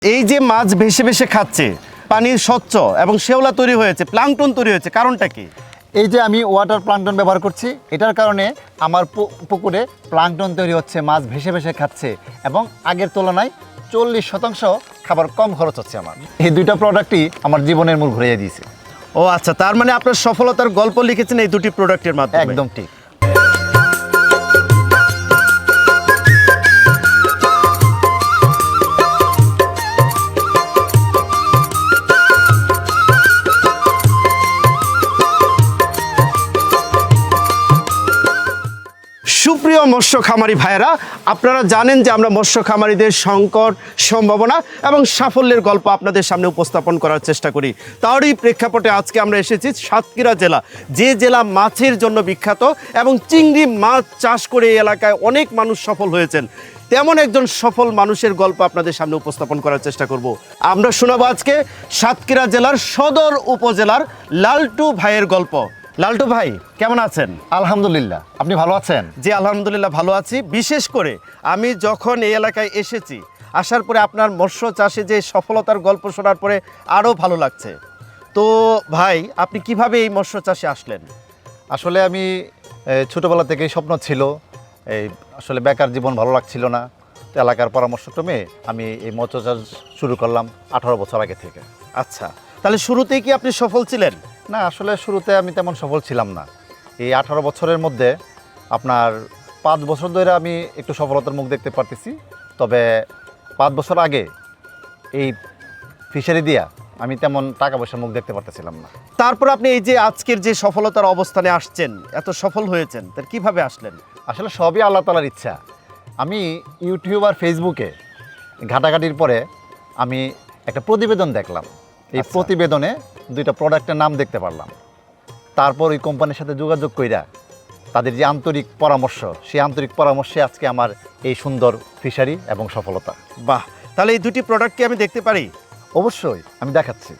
এই যে মাছ ভেসে ভেসে খাচ্ছে, পানির স্বচ্ছ এবং শেওলা তৈরি হয়েছে, প্লাঙ্কটন তৈরি হয়েছে, কারণটা কি? এই যে আমি ওয়াটার প্লাঙ্কটন ব্যবহার করছি, এটার কারণে আমার পুকুরে প্লাঙ্কটন তৈরি হচ্ছে, মাছ ভেসে ভেসে খাচ্ছে এবং আগের তুলনায় 40% খাবার কম খরচ হচ্ছে আমার। এই দুইটা প্রোডাক্টই আমার জীবনের মূল ঘুরিয়ে দিয়েছে। ও আচ্ছা, তার মানে আপনার সফলতার গল্প লিখেছেন এই দুটি প্রোডাক্টের মাধ্যমে। একদম ঠিক। সুপ্রিয় মৎস্য খামারি ভাইয়েরা, আপনারা জানেন যে আমরা মৎস্য খামারিদের সংকট, সম্ভাবনা এবং সাফল্যের গল্প আপনাদের সামনে উপস্থাপন করার চেষ্টা করি। তারই প্রেক্ষাপটে আজকে আমরা এসেছি সাতক্ষীরা জেলা, যে জেলা মাছের জন্য বিখ্যাত এবং চিংড়ি মাছ চাষ করে এই এলাকায় অনেক মানুষ সফল হয়েছেন। তেমন একজন সফল মানুষের গল্প আপনাদের সামনে উপস্থাপন করার চেষ্টা করব। আমরা শোনাবো আজকে সাতক্ষীরা জেলার সদর উপজেলার লালটু ভাইয়ের গল্প। লালটু ভাই, কেমন আছেন? আলহামদুলিল্লাহ, আপনি ভালো আছেন? জি আলহামদুলিল্লাহ ভালো আছি। বিশেষ করে আমি যখন এই এলাকায় এসেছি, আসার পরে আপনার মৎস্য চাষে যে সফলতার গল্প শোনার পরে আরও ভালো লাগছে। তো ভাই, আপনি কিভাবে এই মৎস্য চাষে আসলেন? আসলে আমি ছোটোবেলা থেকেই স্বপ্ন ছিল, এই আসলে বেকার জীবন ভালো লাগছিল না, তো এলাকার পরামর্শক্রমে আমি এই মৎস্য চাষ শুরু করলাম 18 বছর আগে থেকে। আচ্ছা, তাহলে শুরুতেই কি আপনি সফল ছিলেন? না, আসলে শুরুতে আমি তেমন সফল ছিলাম না। এই 18 বছরের মধ্যে আপনার 5 বছর ধরে আমি একটু সফলতার মুখ দেখতে পারতেছি। তবে 5 বছর আগে এই ফিশারি দিয়া আমি তেমন টাকা পয়সার মুখ দেখতে পারতেছিলাম না। তারপর আপনি এই যে আজকের যে সফলতার অবস্থানে আসছেন, এত সফল হয়েছেন, তার কিভাবে আসলেন? আসলে সবই আল্লাহ তাআলার ইচ্ছা। আমি ইউটিউব আর ফেসবুকে ঘাটাঘাটির পরে আমি একটা প্রতিবেদন দেখলাম। এই প্রতিবেদনে দুইটা প্রোডাক্টের নাম দেখতে পারলাম। তারপর ওই কোম্পানির সাথে যোগাযোগ কইরা তাদের যে আন্তরিক পরামর্শ, সেই আন্তরিক পরামর্শে আজকে আমার এই সুন্দর ফিশারি এবং সফলতা। বাহ, তাহলে এই দুটি প্রোডাক্ট কি আমি দেখতে পারি? অবশ্যই, আমি দেখাচ্ছি।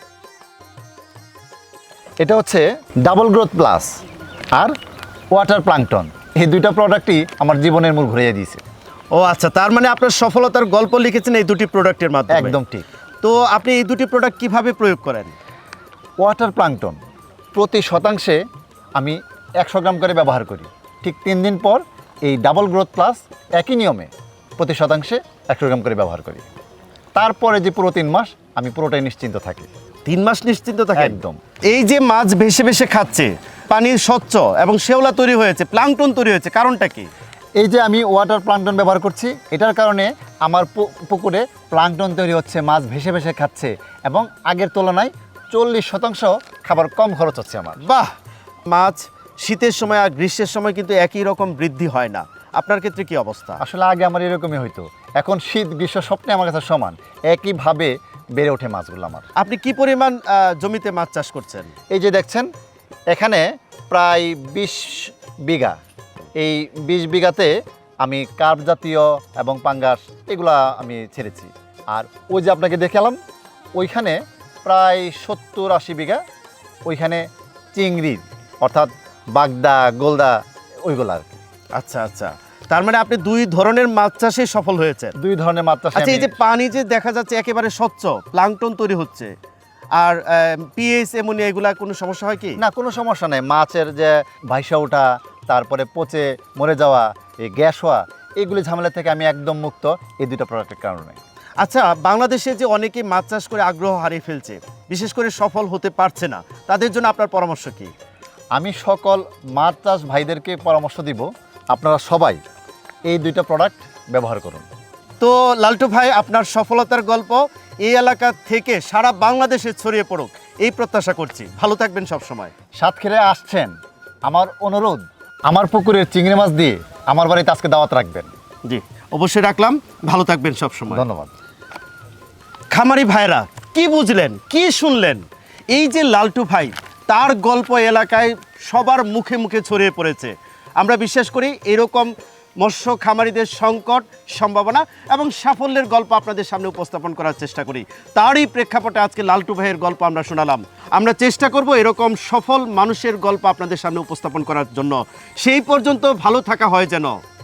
এটা হচ্ছে ডাবল গ্রোথ প্লাস আর ওয়াটার প্লাঙ্কটন। এই দুইটা প্রোডাক্টই আমার জীবনের মূল ঘুরিয়ে দিয়েছে। ও আচ্ছা, তার মানে আপনার সফলতার গল্প লিখেছেন এই দুটি প্রোডাক্টের মাধ্যমে। একদম ঠিক। তো আপনি এই দুটি প্রোডাক্ট কিভাবে প্রয়োগ করেন? ওয়াটার প্লাঙ্কটন প্রতি শতাংশে আমি 100 গ্রাম করে ব্যবহার করি। ঠিক 3 দিন পর এই ডাবল গ্রোথ প্লাস একই নিয়মে প্রতি শতাংশে 100 গ্রাম করে ব্যবহার করি। তারপরে যে পুরো 3 মাস আমি পুরোটাই নিশ্চিন্ত থাকি। 3 মাস নিশ্চিন্ত থাকেন? একদম। এই যে মাছ ভেসে ভেসে খাচ্ছে, পানির স্বচ্ছ এবং শেওলা তৈরি হয়েছে, প্লাঙ্কটন তৈরি হয়েছে, কারণটা কি? এই যে আমি ওয়াটার প্লাঙ্কটন ব্যবহার করছি, এটার কারণে আমার পুকুরে প্লাঙ্কটন তৈরি হচ্ছে, মাছ ভেসে ভেসে খাচ্ছে এবং আগের তুলনায় 40% খাবার কম খরচ হচ্ছে আমার। বাহ, মাছ শীতের সময় আর গ্রীষ্মের সময় কিন্তু একই রকম বৃদ্ধি হয় না। আপনার ক্ষেত্রে কি অবস্থা? আসলে আগে আমার এরকমই হইতো, এখন শীত গ্রীষ্ম স্বপ্নে আমার কাছে সমান, একইভাবে বেড়ে ওঠে মাছগুলো আমার। আপনি কি পরিমাণ জমিতে মাছ চাষ করছেন? এই যে দেখছেন, এখানে প্রায় 20 বিঘা। এই 20 বিঘাতে আমি কার্প জাতীয় এবং পাঙ্গাস এগুলা আমি ছেড়েছি। আর ওই যে আপনাকে দেখালাম, ওইখানে প্রায় 70-80 বিঘা, ওইখানে চিংড়ি অর্থাৎ বাগদা, গোলদা, ওইগুলো আর কি। আচ্ছা আচ্ছা, তার মানে আপনি দুই ধরনের মাছ চাষে সফল হয়েছেন। 2 ধরনের মাছ চাষে। আচ্ছা, এই যে পানি যে দেখা যাচ্ছে একেবারে স্বচ্ছ, প্লাঙ্কটন তৈরি হচ্ছে, আর পিএইচ অ্যামোনিয়া এগুলা কোনো সমস্যা হয় কি? না, কোনো সমস্যা নেই। মাছের যে ভাইসা ওঠা, তারপরে পচে মরে যাওয়া, এই গ্যাস হওয়া, এইগুলি ঝামেলা থেকে আমি একদম মুক্ত এই দুটো প্রোডাক্টের কারণে। আচ্ছা, বাংলাদেশে যে অনেকেই মাছ চাষ করে আগ্রহ হারিয়ে ফেলছে, বিশেষ করে সফল হতে পারছে না, তাদের জন্য আপনার পরামর্শ কি? আমি সকল মাছ চাষ ভাইদেরকে পরামর্শ দিব, আপনারা সবাই এই দুইটা প্রোডাক্ট ব্যবহার করুন। তো লালটু ভাই, আপনার সফলতার গল্প এই এলাকা থেকে সারা বাংলাদেশে ছড়িয়ে পড়ুক এই প্রত্যাশা করছি। ভালো থাকবেন সব সময়। সাতক্ষীরায় আসছেন, আমার অনুরোধ, আমার পুকুরের চিংড়ি মাছ দিয়ে আমার বাড়িতে আজকে দাওয়াত রাখবেন। জি অবশ্যই রাখলাম। ভালো থাকবেন সব সময়। ধন্যবাদ। খামারি ভাইরা, কি বুঝলেন, কি শুনলেন? এই যে লালটু ভাই, তার গল্প এলাকায় সবার মুখে মুখে ছড়িয়ে পড়েছে। আমরা বিশ্বাস করি এরকম মৎস্য খামারিদের সংকট, সম্ভাবনা এবং সাফল্যের গল্প আপনাদের সামনে উপস্থাপন করার চেষ্টা করি। তারই প্রেক্ষাপটে আজকে লালটু ভাইয়ের গল্প আমরা শোনালাম। আমরা চেষ্টা করব এরকম সফল মানুষের গল্প আপনাদের সামনে উপস্থাপন করার জন্য। সেই পর্যন্ত ভালো থাকা হয় যেন।